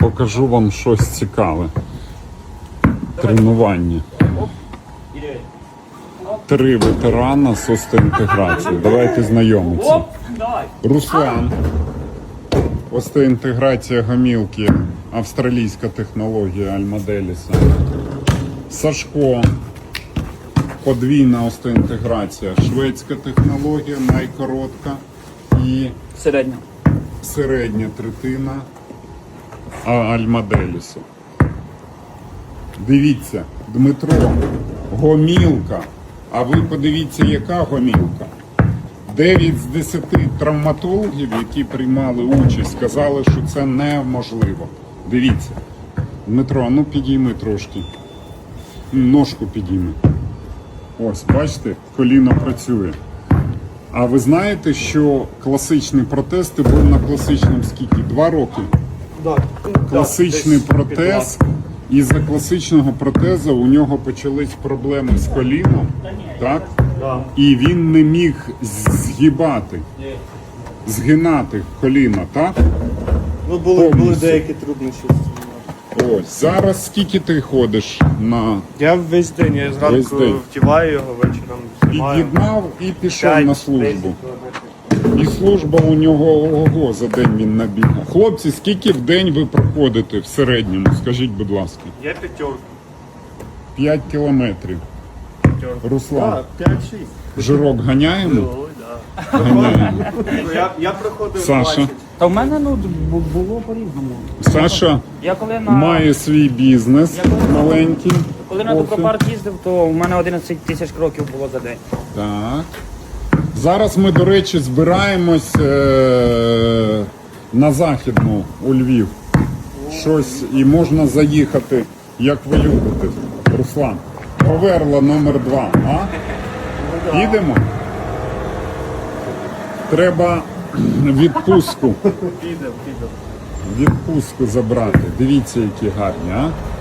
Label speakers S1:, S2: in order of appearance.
S1: покажу вам щось цікаве. Тренування. 3 ветерана з остеоінтеграції. Давайте знайомитися. Руслан. Остеоінтеграція гомілки. Австралійська технологія Альмаделіса. Сашко. Подвійна остеоінтеграція. Шведська технологія, найкоротка. І середня третина Альмаделісу. Дивіться, Дмитро, гомілка. А ви подивіться, яка гомілка. 9 з 10 травматологів, які приймали участь, сказали, що це неможливо. Дивіться. Дмитро, ну підійми трошки. Ножку підійми. Ось, бачите, коліно працює. А ви знаєте, що класичний протез, ти був на класичному скільки? 2 роки?
S2: Так.
S1: Класичний протез. І за класичного протезу у нього почались проблеми з коліном, так?
S2: Да.
S1: І він не міг згинати коліно, так?
S2: Ну, були деякі труднощі.
S1: Ось, зараз скільки ти ходиш на...
S2: Я весь день, я зранку втіваю його, вечором знімаю.
S1: Під'єднав і пішов на службу. І служба у нього, ого, за день він набігав. Хлопці, скільки в день ви проходите в середньому? Скажіть, будь ласка.
S2: Я 5.
S1: 5 кілометрів. Руслан,
S2: Так, 5-6.
S1: жирок ганяємо?
S2: Ой, да.
S1: Ганяємо.
S2: Я проходив
S1: Саша?
S2: 20.
S3: Та в мене було по-різному.
S1: Саша
S3: Я коли
S1: має свій бізнес маленький.
S3: коли на Добропарк їздив, то у мене 11 тисяч кроків було за день.
S1: Так. Зараз ми, до речі, збираємось на Західну у Львів. Щось і можна заїхати, як ви любите. Руслан, Поверла номер 2, а? Їдемо? Треба відпустку.
S2: Підемо.
S1: Відпустку забрати. Дивіться, які гарні, а?